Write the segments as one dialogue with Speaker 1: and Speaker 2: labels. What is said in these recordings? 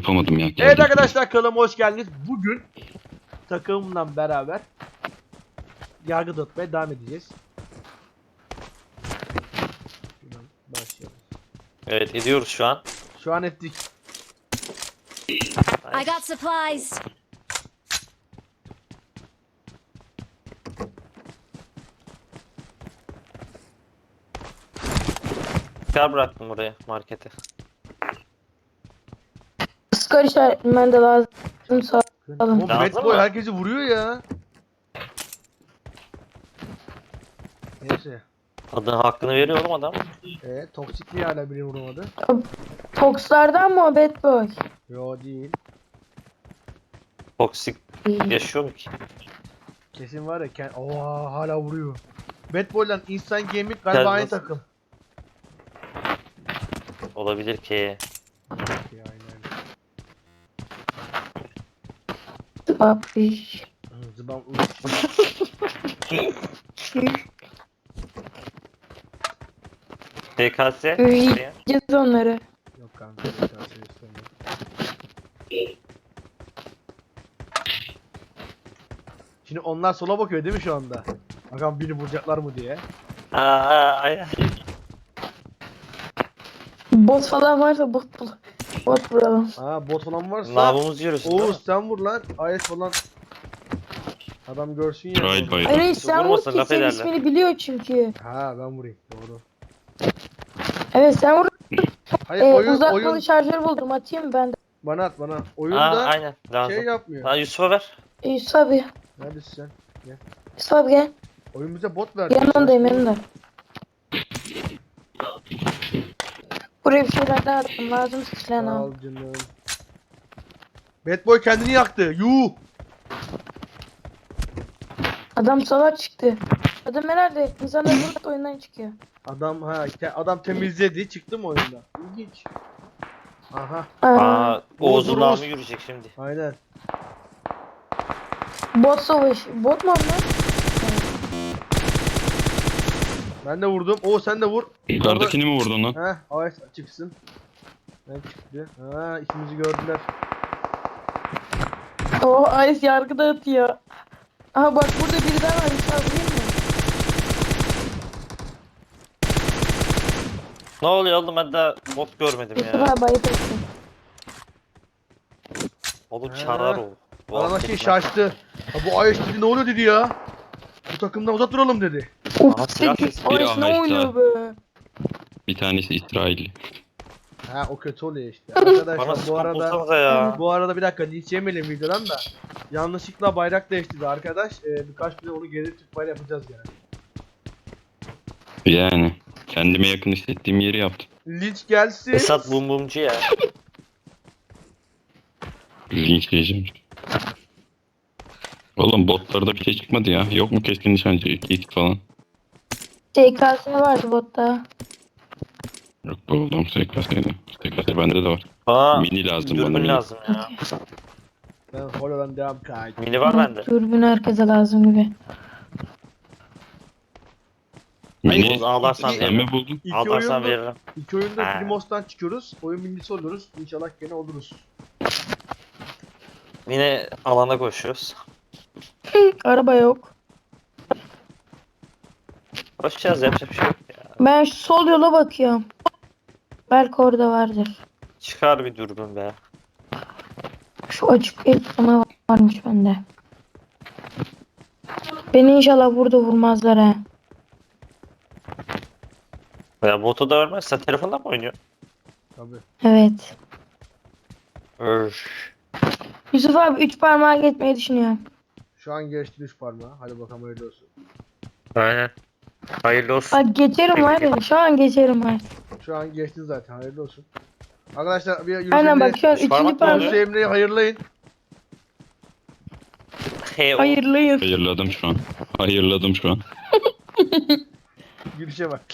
Speaker 1: yapamadım ya.
Speaker 2: Evet arkadaşlar, kanalıma hoş geldiniz. Bugün takımımla beraber yargı dağıtmaya devam edeceğiz. Şuradan başlayalım.
Speaker 3: Evet, ediyoruz şu an.
Speaker 2: Şu an ettik.
Speaker 4: I got supplies.
Speaker 3: Kar bıraktım oraya markete.
Speaker 5: Skor işaretmen de lazım sağ olun.
Speaker 2: O
Speaker 3: Lazım
Speaker 2: Bad Boy
Speaker 3: mı?
Speaker 2: herkesi vuruyor ya. Neyse.
Speaker 3: Adını hakkını veriyorum adam.
Speaker 2: Toksikliği hala biri vuramadı.
Speaker 5: Tokslardan mı o Bad Boy?
Speaker 2: Yo değil.
Speaker 3: Toksik yaşıyor mu ki?
Speaker 2: Kesin var ya. Oha, hala vuruyor. Bad Boy'la Instant Gaming galiba
Speaker 3: Gel
Speaker 2: aynı
Speaker 3: nasıl?
Speaker 2: takım.
Speaker 3: Olabilir ki.
Speaker 2: Ya, aynen.
Speaker 5: Abi.
Speaker 2: Zıbam.
Speaker 3: TKS.
Speaker 5: Yiyeceğiz onları.
Speaker 2: Yok kanka. istemiyorum. Şimdi onlar sola bakıyor değil mi şu anda? Bakalım beni vuracaklar mı diye.
Speaker 3: Ay.
Speaker 5: Bot falan varsa bot vuralım.
Speaker 2: Ha, bot falan varsa
Speaker 3: Namımız yiyoruz.
Speaker 2: Oğuz sen vur lan. Ayet falan. Adam görsün ya.
Speaker 1: İsrail bayrağı.
Speaker 5: Hayır sen vur
Speaker 3: Vurmasın,
Speaker 5: ki
Speaker 3: laf
Speaker 5: senin
Speaker 3: ederler.
Speaker 5: ismini biliyor çünkü.
Speaker 2: Ha, ben vurayım. Doğru.
Speaker 5: Evet sen vur.
Speaker 2: Hayır, oyun
Speaker 5: Uzatmalı şarjör buldum, atayım ben de.
Speaker 2: bana at bana.
Speaker 3: Aa,
Speaker 2: Oyunda
Speaker 3: aynen lazım.
Speaker 2: şey yapmıyor.
Speaker 3: Ha, Yusuf'a ver.
Speaker 5: Yusuf abi.
Speaker 2: Neredesin sen?
Speaker 5: Yusuf abi gel.
Speaker 2: Oyun bize bot verdi.
Speaker 5: Yanındayım yanında. Buraya bir şeyler daha attım, lazım silahını
Speaker 2: Sağ
Speaker 5: al.
Speaker 2: ol canım. Bad Boy kendini yaktı. Yuh.
Speaker 5: Adam salak çıktı. Adam herhalde insanlar burada oyundan çıkıyor.
Speaker 2: Adam temizledi, çıktı mı oyunda? İlginç. Aha,
Speaker 3: Aa, Oğuz'un
Speaker 2: Oğuz.
Speaker 3: namı yürüyecek şimdi.
Speaker 2: aynen.
Speaker 5: Bot savaş. Bot mu onlar?
Speaker 2: Ben de vurdum. Oo, sen de vur.
Speaker 1: Yukarıdakini mi vurdun lan?
Speaker 2: Heh, Ayet çıksın. Ben çıktı. Ha, ikimizi gördüler.
Speaker 5: O Ice yargı dağıtıyor. Aha bak burada biri daha var. Yusuf abi değil mi?
Speaker 3: Ne oluyor oğlum, ben daha bot görmedim
Speaker 5: Yusuf
Speaker 3: ya.
Speaker 5: abi ayıp etsin.
Speaker 3: Oğlum
Speaker 2: Ha.
Speaker 3: çarar o. Bu
Speaker 2: Bana şey
Speaker 3: hareketler.
Speaker 2: şaştı. Ha, bu Ayet dedi, ne oluyor dedi ya. Bu takımdan uzak duralım dedi.
Speaker 3: Aha, silah sesi.
Speaker 1: Biri
Speaker 5: Ice ne
Speaker 1: aha işte.
Speaker 5: oynuyor be?
Speaker 1: Bir tanesi İsrail.
Speaker 2: Ha, o kötü oluyor işte. Arkadaşlar
Speaker 3: Bana
Speaker 2: bu
Speaker 3: spam
Speaker 2: arada
Speaker 3: bulsanıza ya.
Speaker 2: bir dakika linç yemeyelim videodan da. Yanlışlıkla bayrak değiştirdi arkadaş. Birkaç gün onu geri Türk bayrağı yapacağız yani.
Speaker 1: Yani kendime yakın hissettiğim yeri yaptım.
Speaker 2: Linç gelsin.
Speaker 3: Esat bum bumcu ya.
Speaker 1: Linçleyeceğim. Oğlum botlarda bir şey çıkmadı ya. Yok mu keskin nişancı? Kit falan.
Speaker 5: SKS vardı botta.
Speaker 1: Yok buldum SKS'de. SKS bende de var.
Speaker 3: Bana
Speaker 1: Mini lazım bana.
Speaker 3: dürbün
Speaker 1: Mini.
Speaker 3: lazım ya.
Speaker 2: Ben Holo'dan devam kaydı.
Speaker 3: Mini var bende.
Speaker 5: Dürbün herkese lazım gibi.
Speaker 1: Mini
Speaker 3: Oğuz ağlarsan
Speaker 2: İki-
Speaker 1: sen
Speaker 3: veririm.
Speaker 1: mi buldun?
Speaker 3: Ağlarsan
Speaker 2: oyunda,
Speaker 3: veririm.
Speaker 2: iki oyunda
Speaker 3: Ha.
Speaker 2: Primos'tan çıkıyoruz. Oyun birincisi oluyoruz. İnşallah gene oluruz.
Speaker 3: Yine alana koşuyoruz.
Speaker 5: Araba yok.
Speaker 3: Koşacağız, yapacak bir şey yok ya.
Speaker 5: Ben şu sol yola bakıyorum. Belki orada vardır.
Speaker 3: Çıkar bir dürbün be.
Speaker 5: Şu açık ekrana varmış bende. Beni inşallah burada vurmazlar ha.
Speaker 3: Ya botu da ölmez. Sen telefondan mı oynuyorsun?
Speaker 2: Tabii.
Speaker 5: Evet.
Speaker 3: Öf.
Speaker 5: Yusuf abi 3 parmağa geçmeyi düşünüyorum.
Speaker 2: Şu an geçti 3 parmağı. Hadi bakalım, hayırlı olsun.
Speaker 3: Aynen. Hayırlı olsun.
Speaker 5: Bak geçerim var ya. Şu an geçerim var.
Speaker 2: Şu an geçti zaten, hayırlı olsun. Arkadaşlar bir Yunus
Speaker 5: Aynen bak şu an
Speaker 3: Üç
Speaker 5: 3.
Speaker 3: parmak mı
Speaker 5: parmak.
Speaker 3: oluyor?
Speaker 2: Yunus Emre'yi hayırlayın.
Speaker 3: Hey, o.
Speaker 5: Hayırlıyız.
Speaker 1: Hayırladım şu an. Hayırladım şu an.
Speaker 2: Gülüşe bak.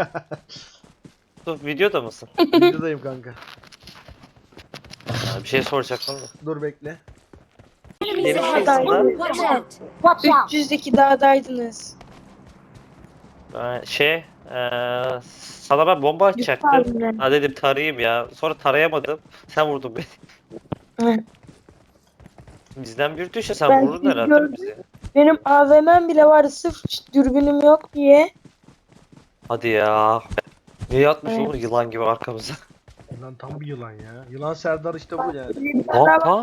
Speaker 3: Dur, videoda mısın?
Speaker 2: Videodayım kanka.
Speaker 3: Ya, bir şey soracaktım da.
Speaker 2: Dur bekle.
Speaker 3: Benim aslında
Speaker 4: Watch out.
Speaker 5: 300'deki dağdaydınız.
Speaker 3: Sana ben bomba
Speaker 5: Yusuf
Speaker 3: atacaktım.
Speaker 5: abimle.
Speaker 3: Ha dedim tarayayım ya. Sonra tarayamadım. Sen vurdun beni.
Speaker 5: Hı.
Speaker 3: Bizden bir düşe sen
Speaker 5: Ben
Speaker 3: vururdun
Speaker 5: sizi
Speaker 3: herhalde
Speaker 5: gördüm.
Speaker 3: bizi.
Speaker 5: Benim AVM'm bile vardı sırf dürbünüm yok diye.
Speaker 3: Hadi ya. Niye yatmış
Speaker 5: Evet.
Speaker 3: oğlum yılan gibi arkamıza?
Speaker 2: Lan tam bir yılan ya. Yılan Serdar işte bu yani.
Speaker 5: Bir tane daha var.
Speaker 3: Tamam.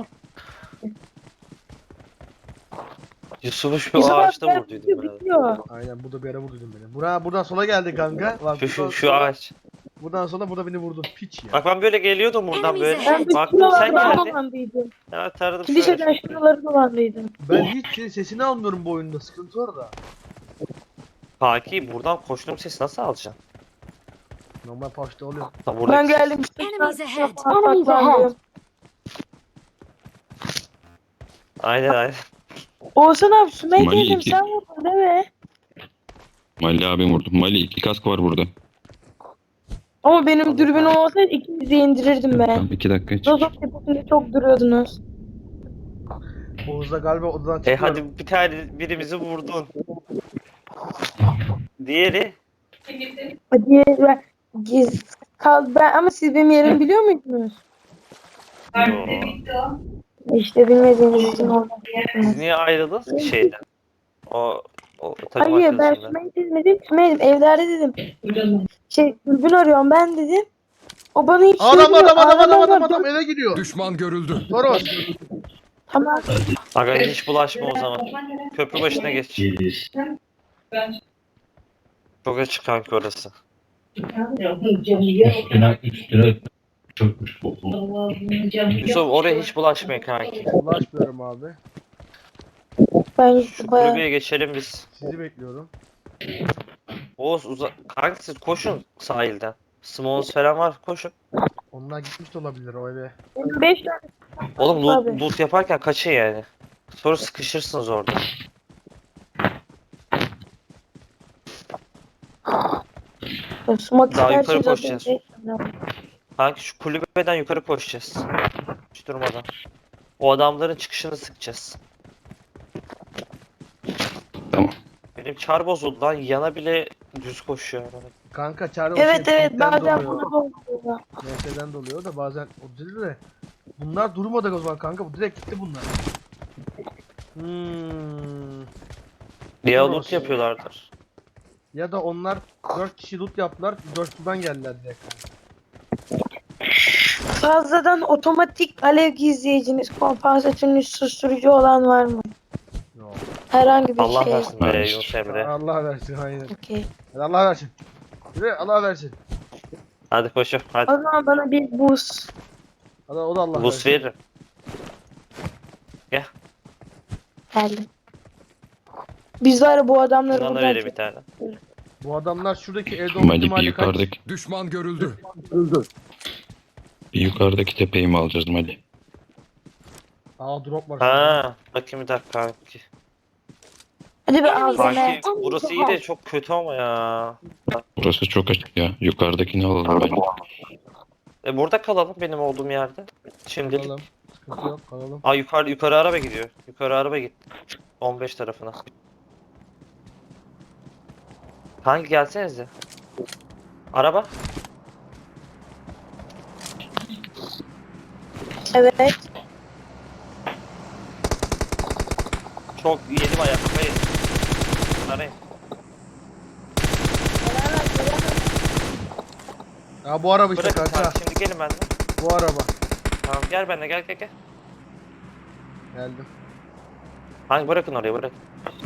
Speaker 3: Yusuf'u şu
Speaker 5: Yusuf abi
Speaker 3: ağaçta
Speaker 5: gel,
Speaker 3: vurduydum
Speaker 5: bitiyor,
Speaker 3: ben.
Speaker 5: bitiyor.
Speaker 2: Aynen bu da bir yere vurduydun beni. Buradan sola geldi kanka. Bak,
Speaker 3: Şu ağaç.
Speaker 2: buradan sonra burada beni vurdun. Piç ya.
Speaker 3: Bak ben böyle geliyordum buradan böyle.
Speaker 5: Ben bir
Speaker 3: Baktım sen
Speaker 5: şuralardan
Speaker 3: geldin.
Speaker 5: dolandıydım.
Speaker 3: Evet taradım
Speaker 5: Kiliseden
Speaker 3: şöyle.
Speaker 5: şuraları dolandıydım.
Speaker 2: Ben hiç senin sesini almıyorum bu oyunda. Sıkıntı orada.
Speaker 3: Kanki buradan koştuğum sesi nasıl alacaksın?
Speaker 2: Normal paşta oluyor.
Speaker 3: Ha, buradaki
Speaker 5: Ben geldim.
Speaker 4: Enemies ahead.
Speaker 5: Saklandım.
Speaker 3: Aynen aynen.
Speaker 5: Oğuzhan abi Sümeyye
Speaker 1: Mali
Speaker 5: dedim
Speaker 1: iki.
Speaker 5: sen vurdun değil mi?
Speaker 1: Mali abim vurdu. Mali 2 kask var burada.
Speaker 5: Ama benim
Speaker 3: Tabii,
Speaker 5: dürbün
Speaker 3: tabii.
Speaker 5: olsaydı ikinizi indirirdim ben.
Speaker 1: Tamam 2 dakika hiç.
Speaker 5: Rozok tepesinde çok duruyordunuz.
Speaker 2: Oğuz'da galiba odadan çıkıyor.
Speaker 3: Hadi bir tane birimizi vurdun. Diğeri
Speaker 5: Hadi ben ama siz benim yerimi biliyor muydunuz?
Speaker 3: Yo.
Speaker 5: İşte bilmediğiniz için oldu.
Speaker 3: Siz niye ayrıldınız ki şeyden? O takım
Speaker 5: Hayır ben
Speaker 3: arkadaşından.
Speaker 5: Sümeyye dedim. Sümeyye dedim evlerde dedim. Dürbün arıyorum ben dedim. O bana hiç
Speaker 2: Adam
Speaker 5: söylemiyor.
Speaker 2: adam eve gidiyor.
Speaker 6: Düşman görüldü.
Speaker 2: Toros.
Speaker 5: Tamam.
Speaker 3: Aga hiç bulaşma o zaman. Köprü başına geç. Çok açık kanki orası. Yusuf oraya hiç bulaşmayın kanki.
Speaker 2: Ulaşmıyorum abi.
Speaker 5: Ben
Speaker 3: Şu
Speaker 5: bayağı
Speaker 3: kulübeye geçelim biz.
Speaker 2: Sizi bekliyorum.
Speaker 3: Oğuz kanki siz koşun sahilden. Smalls falan var koşun.
Speaker 2: Onlar gitmiş de olabilir o eve.
Speaker 5: 5 tane
Speaker 3: Oğlum
Speaker 5: Tabii.
Speaker 3: loot yaparken kaçın yani. Sonra sıkışırsınız orada.
Speaker 5: sumak
Speaker 3: Daha yukarı
Speaker 5: isterseniz
Speaker 3: koşacağız.
Speaker 5: zaten 5 tane var.
Speaker 3: Kanki şu kulübeden yukarı koşacağız. Hiç durmadan. O adamların çıkışını sıkacağız.
Speaker 1: Tamam.
Speaker 3: Benim çar bozuldu lan. Yana bile düz koşuyor.
Speaker 2: Kanka çare o
Speaker 5: Evet evet
Speaker 2: pinkten
Speaker 5: bazen
Speaker 2: doluyor.
Speaker 5: bunu oluyor.
Speaker 2: MS'den doluyor da bazen o değil de. Bunlar durmadı o zaman kanka. Bu direkt gitti bunlar.
Speaker 3: Diye
Speaker 2: Doğru
Speaker 3: loot
Speaker 2: olsun.
Speaker 3: yapıyorlardır.
Speaker 2: Ya da onlar 4 kişi loot yaptılar. 4'lüden geldiler direkt.
Speaker 5: Fazladan otomatik alev gizleyiciniz, kompansatörünüz, susturucu olan var mı?
Speaker 2: Yok.
Speaker 5: Herhangi bir
Speaker 3: Allah
Speaker 5: şey.
Speaker 3: versin be
Speaker 1: Evet.
Speaker 3: Yunus Emre.
Speaker 2: Allah versin aynen.
Speaker 5: Okey.
Speaker 2: Hadi Allah versin. Yürü Allah versin.
Speaker 3: Hadi koşun. Hadi.
Speaker 5: O zaman bana bir buz.
Speaker 2: Hadi o da Allah
Speaker 3: Buz
Speaker 2: versin.
Speaker 3: veririm.
Speaker 5: Geldim. Biz var ya bu adamları
Speaker 3: Şundan da
Speaker 5: buradan
Speaker 3: vereyim bir tane.
Speaker 2: Bu adamlar şuradaki evde olma
Speaker 1: Mali bir
Speaker 2: ihtimali kaç?
Speaker 1: yukarıdaki,
Speaker 6: Düşman görüldü.
Speaker 1: bir yukarıdaki tepeyi mi alacağız Mali?
Speaker 2: Aa drop var. şurada.
Speaker 3: Ha, bakayım bir dakika kanki.
Speaker 5: Hadi be
Speaker 4: Enemies
Speaker 5: ağzına.
Speaker 4: ahead.
Speaker 3: Kanki burası iyi de çok kötü ama ya.
Speaker 1: Burası çok açık ya. Yukarıdakini alalım bence.
Speaker 3: Burada kalalım benim olduğum yerde. Şimdilik.
Speaker 2: Kalalım. Sıkıntı yok kalalım.
Speaker 3: Aa yukarı araba gidiyor. Yukarı araba gitti. 15 tarafına. Kanki gelsenize. Araba.
Speaker 5: Evet.
Speaker 3: Çok yedim ayakta yedim. Arayın.
Speaker 2: Ya bu araba işte
Speaker 3: Bırakın
Speaker 2: kanka.
Speaker 3: kanki şimdi gelin benden.
Speaker 2: Bu araba.
Speaker 3: Tamam gel benimle gel.
Speaker 2: Geldim.
Speaker 3: Hangi bırakın oraya bırakın.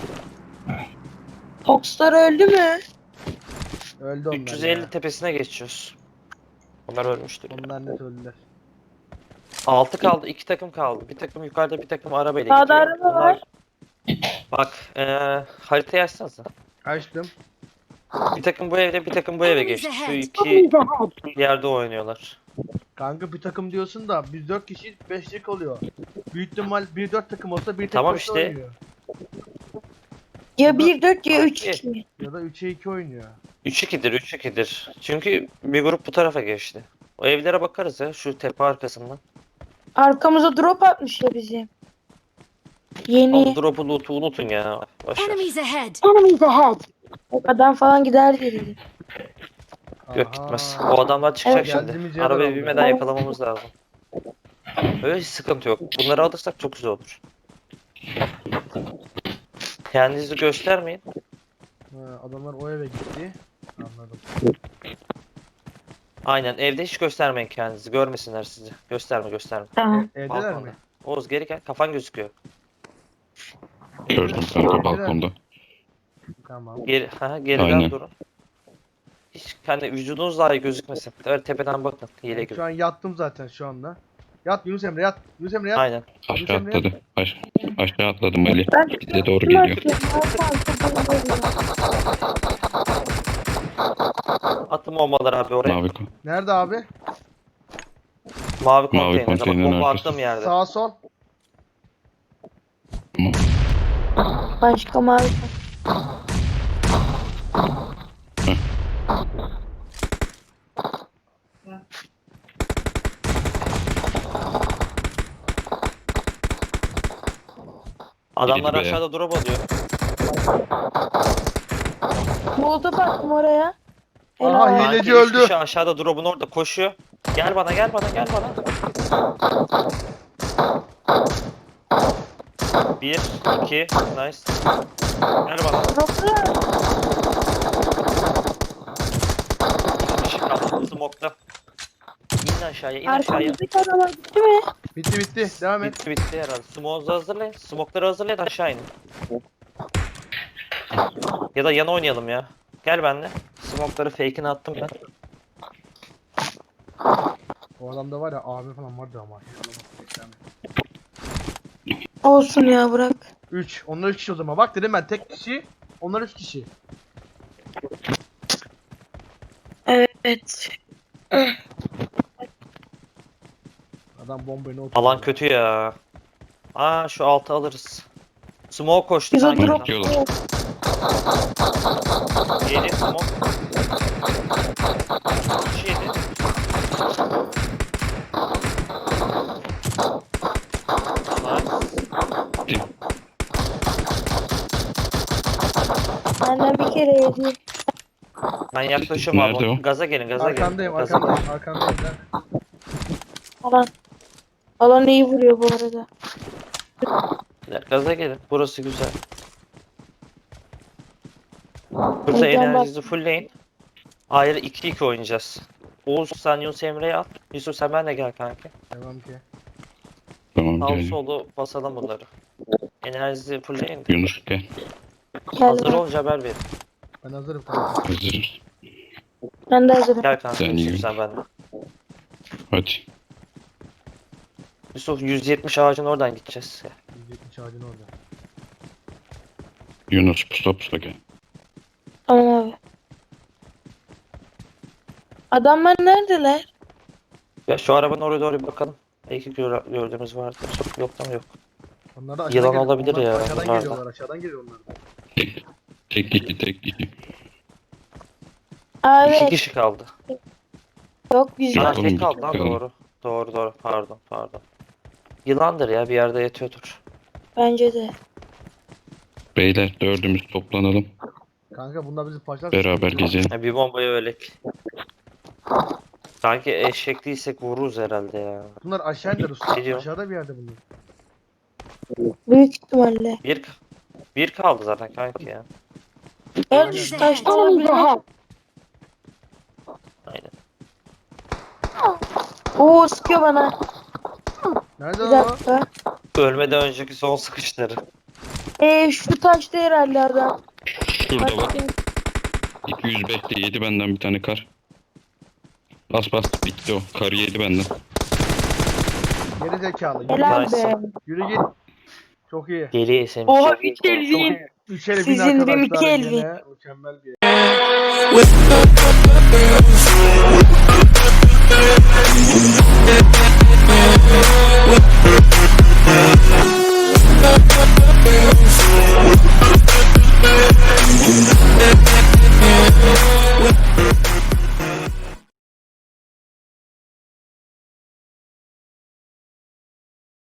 Speaker 5: Foxlar öldü mü?
Speaker 2: Öldü onlar
Speaker 3: 350
Speaker 2: ya.
Speaker 3: tepesine geçiyoruz. Onlar ölmüştür.
Speaker 2: Onlar net öldüler.
Speaker 3: 6 kaldı, 2 takım kaldı. Bir takım yukarıda, bir takım arabayla
Speaker 5: Sağda
Speaker 3: gidiyor.
Speaker 5: araba var.
Speaker 3: Bak, haritayı açsanıza.
Speaker 2: Açtım.
Speaker 3: Bir takım bu evde, bir takım bu eve
Speaker 4: Enemies
Speaker 3: geçti. Şu
Speaker 4: ahead.
Speaker 3: iki yerde oynuyorlar.
Speaker 2: Kanka bir takım diyorsun da biz 4 kişi 5'lik oluyor. Büyük ihtimal 1-4 takım olsa bir tek
Speaker 3: Tamam
Speaker 2: başına
Speaker 3: işte.
Speaker 2: oynuyor.
Speaker 5: Ya 1-4 ya 3-2.
Speaker 2: Ya da 3'e 2 oynuyor.
Speaker 3: 3-2'dir, 3-2'dir. Çünkü bir grup bu tarafa geçti. O evlere bakarız ya, şu tepe arkasından.
Speaker 5: Arkamıza drop atmış ya bizi.
Speaker 3: O
Speaker 5: Yeni.
Speaker 3: drop'u loot'u unutun ya. Boş ver.
Speaker 4: Enemies ahead. Enemies ahead.
Speaker 5: Adam falan gider dedi.
Speaker 3: Yok gitmez.
Speaker 2: Aha.
Speaker 3: O adamlar çıkacak
Speaker 5: Evet.
Speaker 2: Geldiğimiz
Speaker 3: şimdi.
Speaker 2: yerden
Speaker 3: Arabaya
Speaker 2: aldı.
Speaker 3: binmeden yakalamamız lazım. Öyle hiç sıkıntı yok. Bunları alırsak çok güzel olur. Kendinizi göstermeyin.
Speaker 2: Adamlar o eve gitti. Anladım.
Speaker 3: Aynen evde hiç göstermeyin kendinizi. Görmesinler sizi. Gösterme.
Speaker 5: Tamam.
Speaker 2: Evdeler
Speaker 3: Balkonda.
Speaker 2: mi?
Speaker 3: Oğuz geri gel. Kafan gözüküyor.
Speaker 1: Gördüm kanka balkonda.
Speaker 2: Tamam.
Speaker 3: Geriden
Speaker 1: Aynen.
Speaker 3: durun. Hiç kendi vücudunuz dahi gözükmesin. Evet tepeden bakın. Hile gibi.
Speaker 2: Şu an yattım zaten şu anda. Yat Yunus Emre yat. Yunus Emre yat.
Speaker 3: Aynen.
Speaker 1: Aşağı atladı. Aşağı atladım Ali.
Speaker 5: Ben
Speaker 1: Bize doğru
Speaker 5: kim
Speaker 1: geliyor.
Speaker 5: atıyorum?
Speaker 3: Attım bombaları abi oraya.
Speaker 1: Mavi
Speaker 2: Nerede abi?
Speaker 3: Mavi konteyner. Bak
Speaker 1: konteynerin
Speaker 3: bomba
Speaker 1: arkası.
Speaker 3: attığım yerde.
Speaker 2: Sağ sol.
Speaker 5: Başka mavi.
Speaker 3: Adamlar
Speaker 1: be.
Speaker 3: aşağıda drop alıyor.
Speaker 5: Molotof attım oraya.
Speaker 2: Aha,
Speaker 5: Helal.
Speaker 2: hile.
Speaker 3: Sanki
Speaker 2: öldü.
Speaker 3: üç kişi aşağıda drop'un orada koşuyor. Gel bana. Bir, iki, nice. Gel bana.
Speaker 5: Doktor.
Speaker 3: Bir kişi kaldı smoke'ta. İn aşağıya.
Speaker 5: Arkamızdaki adamlar gitti mi?
Speaker 2: Bitti. Devam et.
Speaker 3: Bitti herhalde. Smoke'u hazırlayın. Smoke'ları hazırlayın aşağı inin. Ya da yana oynayalım ya. Gel benimle. Smoke'ları fake'ini attım ben.
Speaker 2: O adamda var ya abi falan vardı ama.
Speaker 5: Olsun ya bırak.
Speaker 2: 3. Onlar 3 kişi o zaman. Bak dedim ben tek kişi. Onlar 3 kişi.
Speaker 5: Evet.
Speaker 2: Adam bombayı ne
Speaker 3: Alan kötü ya. Aa şu altı alırız. Smoke koştu
Speaker 5: Biz o
Speaker 3: sanki.
Speaker 5: drop.
Speaker 1: Bakıyorlar.
Speaker 3: Yedi smoke. Kişi yedi. Nice.
Speaker 5: Benden bir kere yedi.
Speaker 3: Ben yaklaşıyorum
Speaker 1: Nerede
Speaker 3: abi.
Speaker 1: o?
Speaker 3: Gaza gelin.
Speaker 2: Arkandayım.
Speaker 3: Gaza gelin.
Speaker 2: Arkandayım.
Speaker 5: Alan. Alan iyi vuruyor bu arada.
Speaker 3: Gaza gelin. Burası güzel. Burada
Speaker 5: Mükemmel.
Speaker 3: enerjinizi fullleyin. Ayrı 2-2 oynayacağız. Oğuz sen Yunus Emre'yi at. Yusuf sen benle gel kanki.
Speaker 2: Devam ki.
Speaker 1: Tamam
Speaker 3: Sağ
Speaker 1: geldim.
Speaker 3: solu basalım bunları. Enerjinizi fullleyin.
Speaker 1: Yunus gel.
Speaker 3: Hazır
Speaker 5: Geldim.
Speaker 3: olunca haber verin.
Speaker 2: Ben hazırım kanka.
Speaker 1: Hazırız.
Speaker 5: Ben de hazırım.
Speaker 3: Gel kanka
Speaker 1: Sen
Speaker 3: Yusuf
Speaker 1: yürü.
Speaker 3: sen benle.
Speaker 1: Hadi.
Speaker 3: Yusuf 170 ağacın oradan gideceğiz.
Speaker 2: 170 ağacın orada.
Speaker 1: Yunus pusula gel.
Speaker 5: Tamam abi. Adamlar neredeler?
Speaker 3: Ya şu arabanın oraya doğru bir bakalım. Belki gördüğümüz vardır. Yok tam yok.
Speaker 2: Onlar da
Speaker 3: Yılan
Speaker 2: geliyor.
Speaker 3: olabilir
Speaker 2: Onlar
Speaker 3: ya,
Speaker 2: Aşağıdan
Speaker 3: bunlar da.
Speaker 2: geliyorlar. Aşağıdan geliyor onlar da.
Speaker 1: Tek iki.
Speaker 5: Aa,
Speaker 3: İki
Speaker 5: evet.
Speaker 3: kişi kaldı.
Speaker 5: Yok biz
Speaker 1: Yok.
Speaker 3: Ha
Speaker 5: var.
Speaker 1: oğlum,
Speaker 3: tek kaldı lan
Speaker 1: kaldı.
Speaker 3: doğru. Pardon. Yılandır ya bir yerde yatıyordur.
Speaker 5: Bence de.
Speaker 1: Beyler dördümüz toplanalım.
Speaker 2: Kanka bunlar bizi parçalar.
Speaker 1: Beraber gezelim.
Speaker 3: Ya bir bombayı ölek. Sanki eşek değilsek vururuz herhalde ya.
Speaker 2: Bunlar aşağı indiler usta.
Speaker 3: Geliyor.
Speaker 2: Aşağıda bir yerde bunlar.
Speaker 5: Büyük ihtimalle.
Speaker 3: Bir kaldı zaten kanki ya.
Speaker 5: Evet şu taşta olabilir.
Speaker 3: Aynen.
Speaker 5: Oo sıkıyor bana.
Speaker 2: Nerede
Speaker 5: Bir
Speaker 2: o?
Speaker 5: dakika.
Speaker 3: Ölmeden önceki son sıkışları.
Speaker 5: Şu taşta herhalde adam.
Speaker 1: Şurada bak. 205'te yedi benden bir tane kar. Bas bitti o. Karı yedi benden.
Speaker 2: Geri zekalı. Yürü,
Speaker 5: Helal
Speaker 3: Nice.
Speaker 5: be.
Speaker 2: yürü git. Çok iyi.
Speaker 3: Geriye esemiş.
Speaker 5: Oha 3 elvin.
Speaker 2: 3 ele bin
Speaker 5: Sizin de
Speaker 2: arkadaşlar.
Speaker 5: Mikael
Speaker 2: Yine mükemmel bir